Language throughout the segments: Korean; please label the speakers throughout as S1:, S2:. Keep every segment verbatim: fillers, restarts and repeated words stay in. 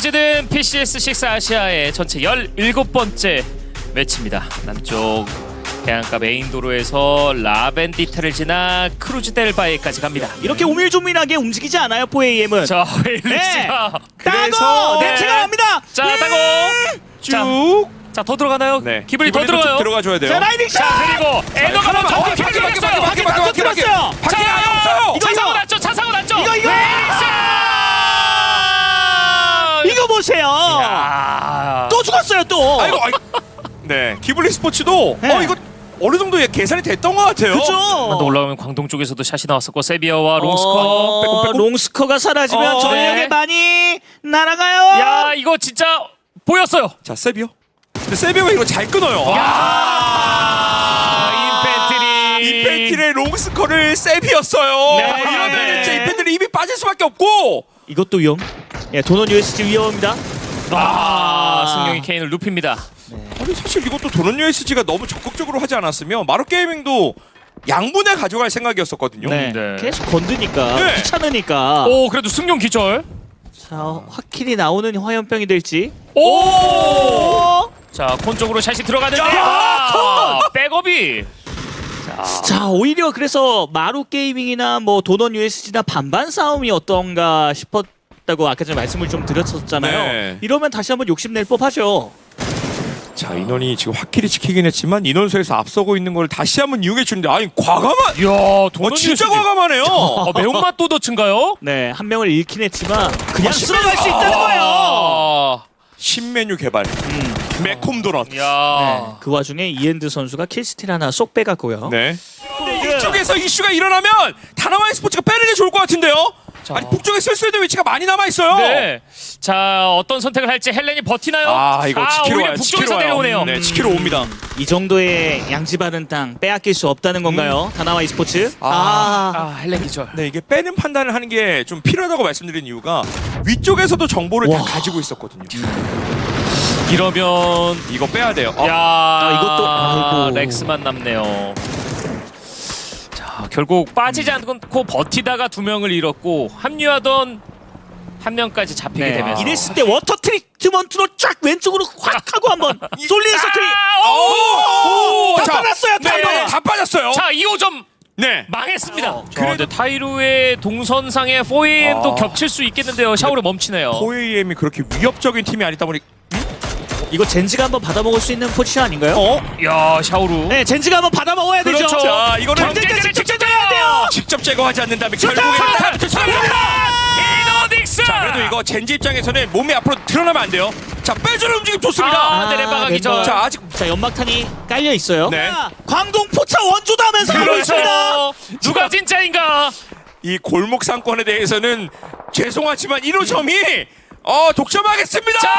S1: 시즌 피씨에스 식스 아시아의 전체 열일곱 번째 매치입니다. 남쪽 해안가 메인 도로에서 라벤디타를 지나 크루즈델바에까지 갑니다.
S2: 이렇게 오밀조밀하게 움직이지 않아요, 포에이엠은.
S1: 자, 웨일리스가
S2: 네.
S1: 그래서
S2: 따고
S1: 네.
S2: 냄새가 납니다.
S1: 자, 따고
S3: 쭉.
S1: 자, 더 들어가나요?
S3: 네.
S1: 기블리 더
S3: 기블리도
S1: 들어가요.
S3: 좀 들어가줘야 돼요.
S2: 자, 라이딩 샷.
S1: 자, 그리고 에너가
S3: 하나만.
S1: 먼저
S3: 어,
S1: 기블리
S3: 밖에, 밖에,
S1: 들어갔어요.
S3: 밖에, 밖에, 밖에, 밖에.
S2: 들어갔어요.
S3: 밖에
S1: 자,
S3: 아예 없어요.
S2: 이거,
S1: 차 사고
S2: 이거.
S1: 났죠. 차 사고 났죠.
S2: 이거, 이거.
S1: 웨일리스!
S2: 이거 보세요.
S1: 야.
S2: 또 죽었어요, 또.
S3: 아이고, 아이. 네, 기블리 스포츠도
S2: 네.
S3: 어 이거 어느 정도 계산이 됐던 것 같아요.
S2: 그죠?
S1: 또 올라오면 광동 쪽에서도 샷이 나왔었고 세비야와 롱스커.
S2: 어,
S3: 빼꼼, 빼꼼.
S2: 롱스커가 사라지면
S3: 어,
S2: 전력이
S1: 네.
S2: 많이 날아가요.
S1: 야, 이거 진짜 보였어요.
S3: 자, 세비오. 근데 세비오가 이거 잘 끊어요.
S1: 아, 인펜트리.
S3: 인펜트리의 롱스커를 세비였어요.
S1: 네.
S3: 어, 이러면 이제 인펜트리 입이 빠질 수밖에 없고.
S2: 이것도 위험. 예, 도넛 유에스지 위험합니다.
S1: 아, 승용이 케인을 눕힙니다.
S3: 아니 사실 이것도 도넛 유에스지가 너무 적극적으로 하지 않았으면 마루 게이밍도 양분에 가져갈 생각이었었거든요.
S2: 네.
S1: 네.
S2: 계속 건드니까
S3: 네.
S2: 귀찮으니까.
S1: 오, 그래도 승용 기절.
S2: 자, 확실히 나오는 화염병이 될지.
S1: 오!
S2: 오!
S1: 자, 콘 쪽으로 샷이 들어가는데
S2: 야,
S1: 아, 백업이. 자,
S2: 자, 오히려 그래서 마루 게이밍이나 뭐 도넛 유에스지나 반반 싸움이 어떤가 싶었다고 아까 전에 말씀을 좀 드렸었잖아요.
S3: 네.
S2: 이러면 다시 한번 욕심낼 법하죠.
S3: 자, 인원이 지금 확실히 지키긴 했지만 인원수에서 앞서고 있는 걸 다시 한번 이용해 주는데 아니 과감한.
S1: 이야,
S3: 어,
S1: 도넛
S3: 진짜
S1: 유에스지.
S3: 과감하네요.
S1: 어, 매운맛 도너츠인가요?
S2: 네, 한 명을 잃긴 했지만 그냥
S3: 아,
S2: 쓸어갈 수 있다는 거예요.
S1: 아,
S3: 신메뉴 개발.
S2: 음.
S3: 매콤 도넛.
S1: 야.
S2: 네, 그 와중에 이엔드 선수가 킬스틸 하나 쏙 빼갔고요.
S3: 네. 근데 이쪽에서 이슈가 일어나면 다나와이 스포츠가 빼는 게 좋을 것 같은데요.
S1: 자.
S3: 아니 북쪽에 쓸 수 있는 위치가 많이 남아 있어요.
S1: 네. 자, 어떤 선택을 할지 헬렌이 버티나요?
S3: 아 이거 지키러
S1: 오히려
S3: 와요.
S1: 북쪽에서
S3: 지키러 와요.
S1: 내려오네요.
S3: 네, 지키러 옵니다.
S2: 이 정도의 양지바른 땅 빼앗길 수 없다는 건가요? 다나와이 스포츠?
S3: 아.
S1: 아, 헬렌 기절.
S3: 네, 이게 빼는 판단을 하는 게 좀 필요하다고 말씀드린 이유가 위쪽에서도 정보를
S2: 와.
S3: 다 가지고 있었거든요.
S1: 이러면
S3: 이거 빼야 돼요. 어.
S1: 야,
S2: 이것도- 아이고.
S1: 렉스만 남네요. 자, 결국 빠지지 않고 버티다가 두 명을 잃었고 합류하던 한 명까지 잡히게
S2: 네.
S1: 되면서
S2: 이랬을 때 워터 트리트먼트로 쫙 왼쪽으로 확 하고 한번 솔리의 서클이
S3: 오!
S2: 다
S3: 자,
S2: 빠졌어요.
S3: 네,
S2: 타이로.
S3: 다 빠졌어요.
S1: 자, 이 호점
S3: 네.
S1: 망했습니다.
S2: 어,
S1: 자, 근데 타이루의 동선상의 포에이엠도
S3: 아.
S1: 겹칠 수 있겠는데요. 샤오를 멈추네요.
S3: 포에이엠이 그렇게 위협적인 팀이 아니다 보니
S2: 이거 젠지가 한번 받아먹을 수 있는 포지션 아닌가요?
S3: 어?
S1: 야, 샤오루.
S2: 네, 젠지가 한번 받아먹어야 되죠.
S1: 그렇죠.
S3: 자, 이거는
S1: 경쟁자를
S2: 직접 해야 돼요.
S3: 직접 제거하지 않는다면
S2: 좋다!
S3: 결국에는 타이틀 차입니다.
S1: 이노딕스.
S3: 자, 그래도 이거 젠지 입장에서는 몸이 앞으로 드러나면 안 돼요. 자, 빼주는 움직임 좋습니다.
S1: 아, 네, 렘바가 기절.
S2: 멤버.
S3: 자, 아직
S2: 자, 연막탄이 깔려 있어요.
S3: 네.
S2: 자, 광동 포차 원조도 하면서 하고 있습니다.
S1: 그렇죠. 누가 진짜인가?
S3: 이 골목 상권에 대해서는 죄송하지만 일 호점이 어 독점하겠습니다.
S1: 자,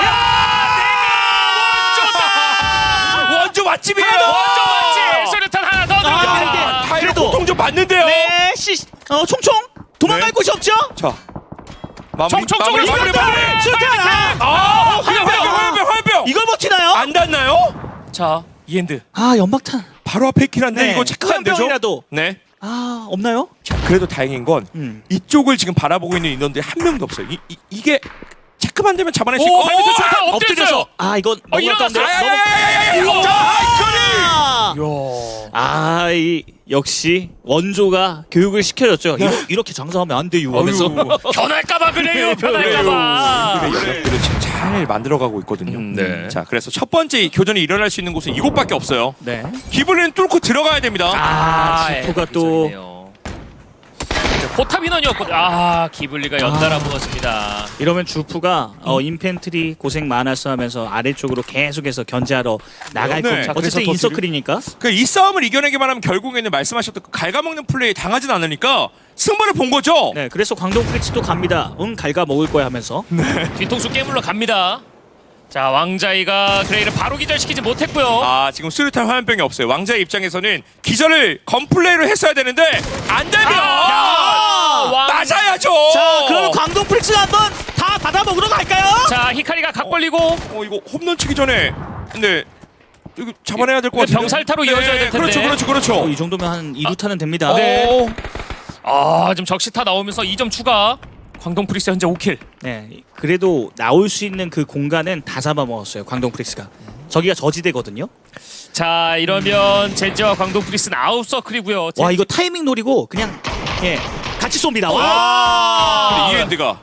S1: 내가 원조다.
S3: 원조 맛집이에요.
S1: 원조 맞지. 소리탄 하나 더
S2: 아,
S1: 들어갑니다.
S2: 이게-
S3: 타이로
S2: 그래도-
S3: 고통 좀 받는데요.
S2: 네, 시, 어, 총총 도망갈
S3: 네.
S2: 곳이 없죠?
S3: 자, 마무리,
S1: 총총
S3: 마무리,
S1: 쪽으로
S3: 마무리,
S1: 쏜다.
S3: 마무리.
S2: 술탄! 아,
S3: 아, 화염병,
S2: 화염병.
S3: 화염병, 화염병.
S2: 이걸 버티나요?
S3: 안 닿나요?
S1: 자, 이엔드.
S2: 아, 연막탄.
S3: 바로 앞에 있긴 한데
S2: 네,
S3: 이거 체크가 안 되죠?
S2: 화염병이라도.
S3: 네.
S2: 아, 없나요?
S3: 자, 그래도 다행인 건
S2: 음.
S3: 이쪽을 지금 바라보고 있는 인원들이 한 명도 없어요. 이, 이, 이게 체크만 되면 잡아낼 수
S1: 오,
S3: 있고.
S1: 발밑에 좋다.
S3: 아,
S1: 엎드렸어요.
S2: 아, 이건
S1: 어,
S2: 너무 아까운데.
S1: 일어났어요.
S2: 너무...
S3: 야야야야야야!
S2: 우와.
S3: 자, 아이커리!
S2: 아,
S1: 야.
S2: 아, 이 역시 원조가 교육을 시켜줬죠. 이러, 이렇게 장사하면 안 돼요. 하면서.
S1: 변할까봐 그래요.
S3: 네,
S1: 변할까봐.
S3: 연락들을 지금 잘 만들어가고 있거든요.
S1: 음, 네.
S3: 자, 그래서 첫 번째 교전이 일어날 수 있는 곳은 이곳밖에 없어요.
S2: 네.
S3: 기블리는 뚫고 들어가야 됩니다.
S2: 아, 지포가 또
S1: 또 포탑 인원이었거든요. 아, 기블리가 연달아 무너집니다.
S2: 이러면 주프가 어, 인펜트리 고생 많았어 하면서 아래쪽으로 계속해서 견제하러 나갈
S3: 네.
S2: 거죠.
S3: 자,
S2: 어쨌든
S3: 그래서
S2: 인서클이니까.
S3: 그 이 싸움을 이겨내기만 하면 결국에는 말씀하셨던 그 갉아먹는 플레이 당하진 않으니까 승부를 본 거죠.
S2: 네, 그래서 광동 프리츠도 갑니다. 응, 갈가 먹을 거야 하면서.
S1: 뒤통수 깨물러 갑니다. 자, 왕자이가 그레이를 바로 기절시키지 못했고요.
S3: 아, 지금 수류탄 화염병이 없어요. 왕자의 입장에서는 기절을 건플레이로 했어야 되는데 안 되면
S1: 아, 왕-
S3: 맞아야죠.
S2: 자, 그러면 광동 프리츠 한번 다 받아 먹으러 갈까요?
S1: 자, 히카리가 각 벌리고
S3: 어, 이거 홈런 치기 전에 근데 이거 잡아내야 될 것 같은데.
S1: 병살타로 이어져야 될 텐데.
S3: 그렇죠, 그렇죠, 그렇죠.
S2: 어, 이 정도면 한 이 루타는 됩니다.
S1: 네.
S3: 어,
S1: 아, 지금 적시타 나오면서 이 점 추가. 광동 프릭스 현재 오 킬.
S2: 네, 그래도 나올 수 있는 그 공간은 다 잡아먹었어요. 광동 프릭스가. 저기가 저지대거든요.
S1: 자 이러면 젠지와 광동 프릭스는 아웃 서클이고요.
S2: 와 이거 타이밍 노리고 그냥 예 같이 쏩니다. 와.
S1: 와.
S3: 근데 이엔드가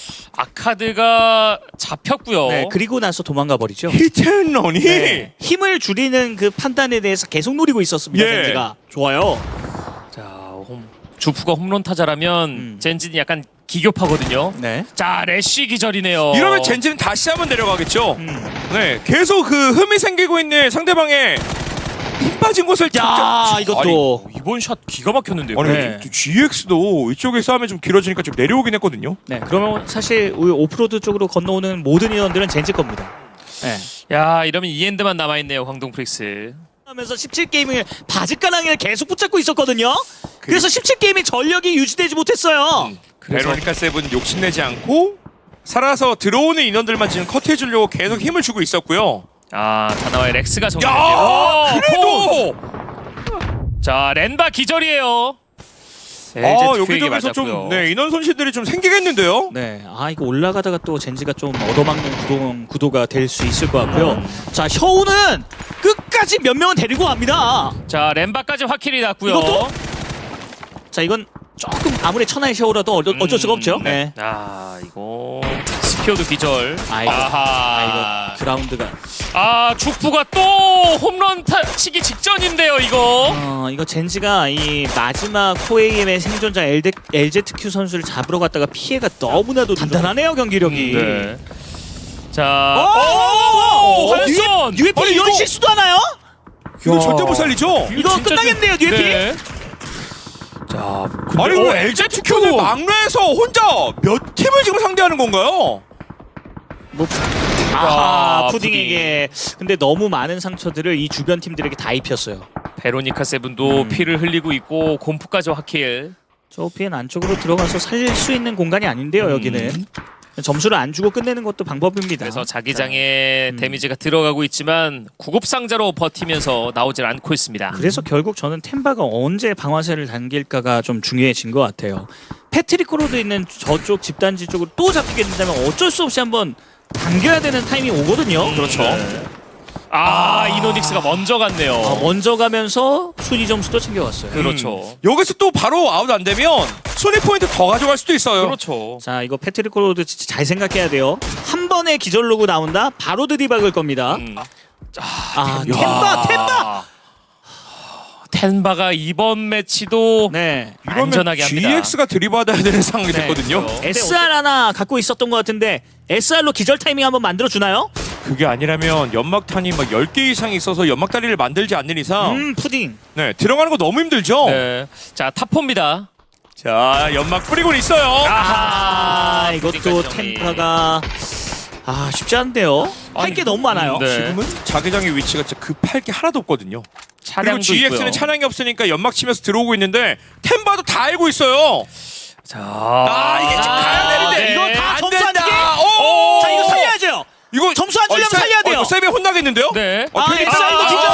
S1: 아카드가 잡혔고요.
S2: 네, 그리고 나서 도망가 버리죠.
S3: 히트앤런이
S2: 네, 힘을 줄이는 그 판단에 대해서 계속 노리고 있었습니다.
S3: 예.
S2: 젠지가 좋아요.
S1: 자 홈, 주프가 홈런 타자라면
S2: 음.
S1: 젠지는 약간 기교파거든요.
S2: 네.
S1: 자 래쉬 기절이네요.
S3: 이러면 젠지는 다시 한번 내려가겠죠.
S2: 음.
S3: 네, 계속 그 흠이 생기고 있는 상대방의 힘 빠진 곳을
S2: 야
S3: 직접-
S2: 이것도
S1: 아니, 이번 샷 기가 막혔는데요.
S3: 아니,
S2: 네.
S3: 아니 지엑스도 이쪽에 싸움이 좀 길어지니까 좀 내려오긴 했거든요.
S2: 네 그러면 사실 우리 오프로드 쪽으로 건너오는 모든 인원들은 젠지 겁니다. 네.
S1: 야 이러면 이엔드만 남아있네요. 광동 프릭스.
S2: 하면서 십칠 게이밍을 바지가랑이를 계속 붙잡고 있었거든요. 그래서 십칠 게임이 전력이 유지되지 못했어요.
S1: 그래서-
S3: 베로니카 세븐 욕심내지 않고 살아서 들어오는 인원들만 지금 커트해주려고 계속 힘을 주고 있었고요.
S1: 아 다나와의 렉스가
S3: 야,
S1: 정리됐네요.
S3: 그래도
S1: 자 렌바 기절이에요.
S3: 아
S1: 엘제트큐에게
S3: 여기저기서
S1: 맞았고요.
S3: 좀 네, 인원 손실들이 좀 생기겠는데요.
S2: 네, 아 이거 올라가다가 또 젠지가 좀 얻어맞는 구도, 구도가 될 수 있을 것 같고요. 자 셔우는 끝까지 몇 명은 데리고 갑니다.
S1: 자 렌바까지 확킬이 났고요.
S2: 이것도? 자 이건 조금 아무리 천하의 셔우라도 어쩔, 어쩔 수가 없죠.
S1: 음,
S2: 네.
S1: 아 이거 스피어도 기절.
S2: 아이고,
S1: 아하.
S2: 아 이거 그라운드가
S1: 아 주프가 또 홈런 타, 치기 직전인데요 이거.
S2: 어 이거 젠지가 이 마지막 포에이엠의 생존자 엘데, 엘제트큐 선수를 잡으러 갔다가 피해가 너무나도 단단하네요 경기력이.
S1: 네. 자,
S2: 오!
S1: 오, 환손.
S2: 유에피
S3: 아니,
S2: 이런
S3: 이거-
S2: 실수도 하나요?
S3: 이거
S1: 야.
S3: 절대 못 살리죠.
S2: 이거
S1: 진짜
S2: 끝나겠네요,
S1: 좀-
S2: 유에피.
S1: 네. 자,
S3: 아니
S1: 어,
S3: 그 엘제트큐는 막내에서 혼자 몇 팀을 지금 상대하는 건가요?
S2: 뭐
S1: 아,
S2: 아, 푸딩에게 근데 너무 많은 상처들을 이 주변 팀들에게 다 입혔어요.
S1: 베로니카 세븐도
S2: 음.
S1: 피를 흘리고 있고 곰프까지 확킬.
S2: 저 피엔 안쪽으로 들어가서 살릴 수 있는 공간이 아닌데요, 여기는. 점수를 안 주고 끝내는 것도 방법입니다.
S1: 그래서 자기장에
S2: 음.
S1: 데미지가 들어가고 있지만 구급상자로 버티면서 나오질 않고 있습니다.
S2: 그래서 결국 저는 템바가 언제 방아쇠를 당길까가 좀 중요해진 것 같아요. 패트릭 코로드 있는 저쪽 집단지 쪽으로 또 잡히게 된다면 어쩔 수 없이 한번 당겨야 되는 타이밍이 오거든요.
S1: 그렇죠. 아, 이노닉스가 먼저 갔네요.
S2: 아, 먼저 가면서 순위 점수도 챙겨왔어요.
S1: 그렇죠.
S3: 음. 여기서 또 바로 아웃 안 되면 순위 포인트 더 가져갈 수도 있어요.
S1: 그렇죠.
S2: 자 이거 패트릭 코로드 진짜 잘 생각해야 돼요. 한 번에 기절 로그 나온다. 바로 드디박을 겁니다.
S1: 음.
S2: 아
S1: 야.
S2: 템바 템바.
S1: 텐바가 이번 매치도
S2: 네.
S3: 이러면
S1: 안전하게 합니다.
S3: 지엑스가 들이받아야 되는 상황이
S1: 네,
S3: 됐거든요.
S1: 그렇죠.
S2: 에스알 하나 갖고 있었던 것 같은데 에스알로 기절 타이밍 한번 만들어 주나요?
S3: 그게 아니라면 연막탄이 막 열 개 이상 있어서 연막다리를 만들지 않는 이상
S2: 음 푸딩.
S3: 네, 들어가는 거 너무 힘들죠.
S1: 네. 자, 탑포입니다.
S3: 자, 연막 뿌리고 있어요.
S2: 아,
S1: 아하.
S2: 이것도
S1: 푸딩까지 정리.
S2: 템파가 아 쉽지 않은데요. 할 게 너무 많아요.
S1: 네.
S3: 지금은 자기장의 위치가 진짜 급할 게 하나도 없거든요. 그리고
S1: 차량도
S3: 지엑스는
S1: 있고요.
S3: 차량이 없으니까 연막 치면서 들어오고 있는데 템바도 다 알고 있어요.
S1: 자,
S3: 아, 이게 지금 가야 되는데
S1: 네.
S2: 이거 다
S3: 안
S2: 점수 안
S3: 된다.
S2: 주게?
S3: 오!
S2: 자 이거 살려야죠.
S3: 이거
S2: 점수 안 주려면
S3: 세-
S2: 살려야 돼요.
S3: 어, 이거 세배 혼나겠는데요?
S1: 네.
S3: 어,
S2: 아,
S3: 괜히-
S2: 엑사이도 기절!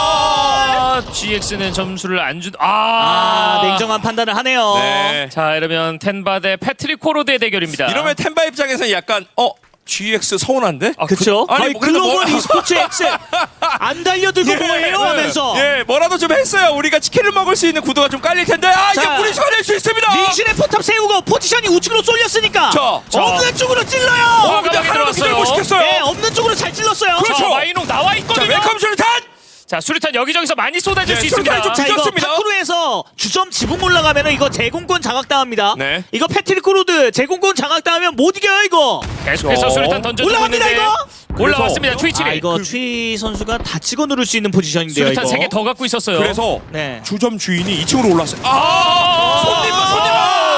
S1: 아, 지엑스는 점수를 안 준. 아,
S2: 아 냉정한 판단을 하네요.
S3: 네.
S1: 자, 이러면 텐바 대 패트릭 코로드의 대결입니다.
S3: 이러면 템바 입장에서는 약간 어 지엑스 서운한데?
S1: 아,
S2: 그쵸?
S3: 그- 아니,
S2: 아니,
S3: 뭐 그래도
S2: 글로벌
S3: 뭐-
S2: e스포츠 X 안 달려들고 뭐해요 하면서
S3: 예, 뭐라도 좀 했어요. 우리가 치킨을 먹을 수 있는 구도가 좀 깔릴 텐데. 아, 이제
S2: 자,
S3: 무리수가 될 수 있습니다.
S2: 링신의 포탑 세우고 포지션이 우측으로 쏠렸으니까
S3: 자,
S1: 자.
S2: 없는 쪽으로 찔러요.
S3: 어, 근데
S1: 과감하게
S3: 하나도 기절 못
S1: 들어왔어요.
S3: 시켰어요.
S2: 네, 없는 쪽으로 잘 찔렀어요.
S3: 그렇죠.
S1: 자, 마이농 나와
S3: 자,
S1: 있거든요.
S3: 웰컴 수류탄.
S1: 자, 수류탄 여기저기서 많이 쏟아질
S3: 네,
S1: 수
S3: 수류탄이
S1: 있습니다.
S3: 좀
S2: 자 이거
S3: 뒤졌습니다.
S2: 파크로에서 주점 지붕 올라가면은 이거 제공권 장악당합니다.
S3: 네.
S2: 이거 패트릭 코로드 제공권 장악당하면 못 이겨요 이거.
S1: 계속해서
S3: 저-
S1: 수류탄 던져주고
S2: 올라갑니다
S1: 있는데
S2: 이거.
S1: 올라왔습니다. 트위치.
S2: 아 이거 트위 선수가 다 찍어 누를 수 있는 포지션인데요
S1: 수류탄
S2: 이거.
S1: 세 개 더 갖고 있었어요.
S3: 그래서
S2: 네.
S3: 주점 주인이 이 층으로 올랐어요. 아,
S1: 아,
S3: 손님, 손님.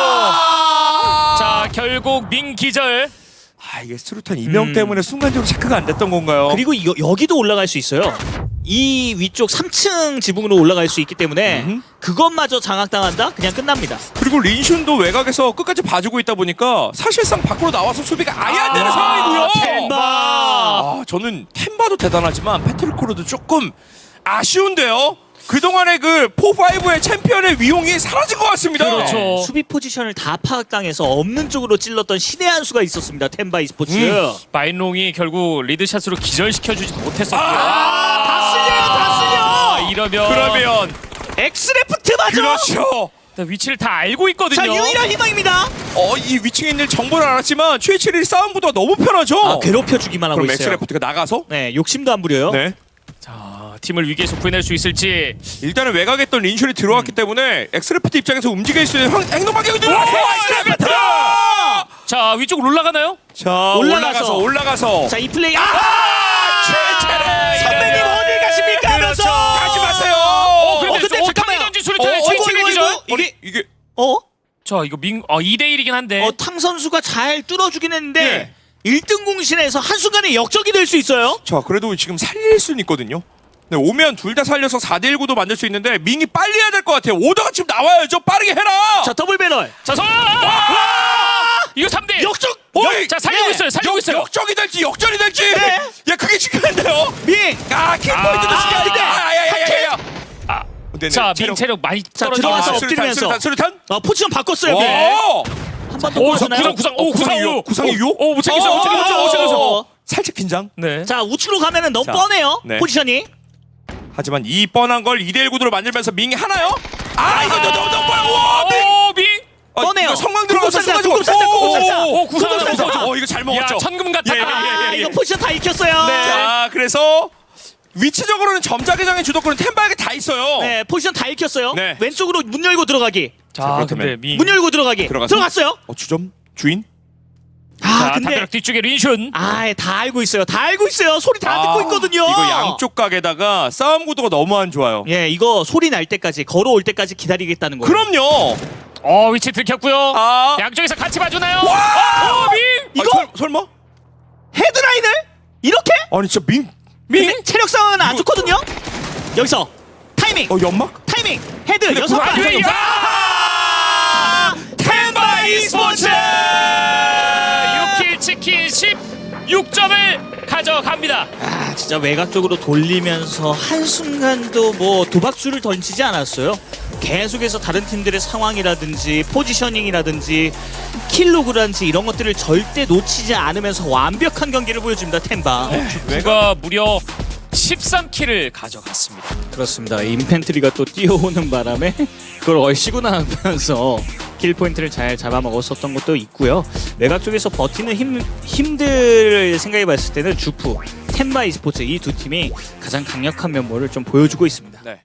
S2: 아!
S1: 자, 결국 민 기절.
S3: 아, 이게 수류탄 이명
S2: 음.
S3: 때문에 순간적으로 체크가 안 됐던 건가요?
S2: 그리고 이거 여기도 올라갈 수 있어요. 이 위쪽 삼 층 지붕으로 올라갈 수 있기 때문에
S3: 음.
S2: 그것마저 장악당한다? 그냥 끝납니다.
S3: 그리고 린슌도 외곽에서 끝까지 봐주고 있다 보니까 사실상 밖으로 나와서 수비가 아예 안 되는
S1: 아,
S3: 상황이고요.
S2: 템바.
S3: 아, 저는 템바도 대단하지만 패트릭 코르도 조금 아쉬운데요. 그동안의 그 사, 오의 챔피언의 위용이 사라진 것 같습니다.
S1: 그렇죠.
S2: 네, 수비 포지션을 다 파악당해서 없는 쪽으로 찔렀던 신의 한 수가 있었습니다. 텐바 e스포츠.
S3: 음.
S1: 마인롱이 결국 리드샷으로 기절시켜주지도 못했었고요.
S3: 아,
S2: 다 쓸려요, 다 쓸려!
S1: 아, 이러면
S3: 그러면
S2: 엑스레프트 맞아!
S3: 그렇죠.
S1: 위치를 다 알고 있거든요.
S2: 자, 유일한 희망입니다.
S3: 어, 이 위층에 있는 정보를 알았지만 최칠일 싸움 구도가 너무 편하죠.
S2: 아, 괴롭혀주기만 하고
S3: 그럼
S2: 있어요.
S3: 엑스레프트가 나가서
S2: 네, 욕심도 안 부려요.
S3: 네.
S1: 자, 팀을 위기에서 구해낼 수 있을지.
S3: 일단은 외곽했던 린슐이 들어왔기 때문에 엑스레프트 입장에서 움직일 수 있는 황- 행동 반경이 들어왔어요. 엑스레프트!
S1: 자, 위쪽으로 올라가나요?
S3: 자,
S2: 올라가서.
S3: 올라가서 올라가서
S2: 자, 이 플레이. 아!
S3: 최철의
S2: 선배님
S3: 이래요.
S2: 어딜 가십니까? 하면서.
S3: 가지 마세요.
S1: 어, 그런데
S2: 어, 근데
S1: 어,
S2: 잠깐만요.
S1: 던지
S3: 어,
S1: 수류탄에
S3: 어,
S1: 최치를
S2: 이거,
S1: 기절.
S2: 이거,
S3: 아니,
S2: 이게-
S3: 이게
S2: 어?
S1: 자, 이거 민 어, 이 대 일이긴 한데.
S2: 어, 탕 선수가 잘 뚫어주긴 했는데
S3: 네.
S2: 일 등 공신에서 한순간에 역적이 될 수 있어요.
S3: 자, 그래도 지금 살릴 수는 있거든요. 네, 오면 둘 다 살려서 사 대 일 구도 만들 수 있는데 밍이 빨리 해야 될 것 같아요. 오더가 지금 나와야죠. 빠르게 해라.
S2: 자, 더블 배럴.
S1: 자, 서. 이거 삼 대.
S2: 역적.
S3: 어이!
S1: 자, 살리고
S2: 네.
S1: 있어요. 살리고
S3: 역,
S1: 있어요.
S3: 역적이 될지 역전이 될지.
S2: 네.
S3: 야, 그게 중요한데요.
S2: 밍.
S3: 아, 킬포인트도
S1: 아,
S3: 중요한데.
S1: 네.
S3: 아야야야야.
S1: 아,
S3: 네네,
S1: 자,
S3: 체력.
S1: 민 체력 많이
S2: 자,
S1: 떨어져.
S2: 들어가서
S1: 아,
S2: 엎드리면서.
S3: 수류탄, 수류탄.
S2: 어, 포지션 바꿨어요.
S3: 오!
S2: 밍. 한번 더
S1: 오,
S2: 보여주나요?
S1: 구상 구상. 오, 구상 오.
S3: 구상이 유?
S1: 오, 못 챙겼어. 못 챙겼어. 못 챙겼어.
S3: 살짝 긴장.
S1: 네.
S2: 자, 우측으로 가면은 너무
S3: 자,
S2: 뻔해요.
S3: 네.
S2: 포지션이.
S3: 하지만 이 뻔한 걸 이 대 일 구도로 만들면서 밍이 하나요? 아, 이거 너무 너무 뻔해. 와, 밍.
S1: 오, 밍.
S3: 아,
S2: 뻔해요.
S3: 이거 성광 들어가서
S2: 구급상자,
S3: 쏘가지고.
S2: 구급상자, 구급상자.
S1: 오, 구상
S2: 구급
S1: 하나
S2: 상자.
S1: 먹어줘.
S3: 어, 이거 잘 먹었죠.
S1: 야, 천금 같아.
S3: 예, 예,
S2: 아,
S3: 예, 예.
S2: 이거 포지션 다 익혔어요.
S1: 네.
S3: 자, 그래서 위치적으로는 점자계장의 주도권은 템바에게 다 있어요.
S2: 네, 포지션 다 익혔어요.
S3: 네.
S2: 왼쪽으로 문 열고 들어가기.
S1: 자,
S3: 그렇다면.
S1: 근데 밍.
S2: 문 열고 들어가기.
S3: 들어가서?
S2: 들어갔어요.
S3: 어, 주점 주인.
S2: 아,
S1: 자,
S2: 근데
S1: 담벼락 뒤쪽에 린슌.
S2: 아, 다 알고 있어요. 다 알고 있어요. 소리 다
S3: 아,
S2: 듣고 있거든요.
S3: 이거 양쪽 각에다가 싸움 구도가 너무 안 좋아요.
S2: 예, 이거 소리 날 때까지 걸어올 때까지 기다리겠다는 거예요.
S3: 그럼요.
S1: 어, 위치 들켰고요.
S3: 아,
S1: 양쪽에서 같이 봐주나요?
S3: 와!
S1: 어, 밍.
S2: 이거?
S3: 아, 설, 설마?
S2: 헤드라인을 이렇게?
S3: 아니 진짜 밍.
S2: 근데 체력 상황은 안
S3: 이거-
S2: 좋거든요. 여기서 타이밍,
S3: 어, 연막?
S2: 타이밍, 헤드
S3: 근데
S2: 여섯
S3: 구상
S2: 발.
S3: 안 돼요.
S2: 아!
S3: 템바 e스포츠!
S1: 육 킬 치킨 십육 점을 가져갑니다.
S2: 아, 진짜 외곽 쪽으로 돌리면서 한 순간도 뭐 도박수를 던지지 않았어요. 계속해서 다른 팀들의 상황이라든지 포지셔닝이라든지 킬로그란지 이런 것들을 절대 놓치지 않으면서 완벽한 경기를 보여줍니다. 템바.
S1: 누가 무려 십삼 킬을 가져갔습니다.
S2: 그렇습니다. 인펜트리가 또 뛰어오는 바람에 그걸 얼씨구 나가면서 킬 포인트를 잘 잡아먹었었던 것도 있고요. 외곽 쪽에서 버티는 힘, 힘들 생각해봤을 때는 주프, 템바 e스포츠 이 두 팀이 가장 강력한 면모를 좀 보여주고 있습니다.
S3: 네.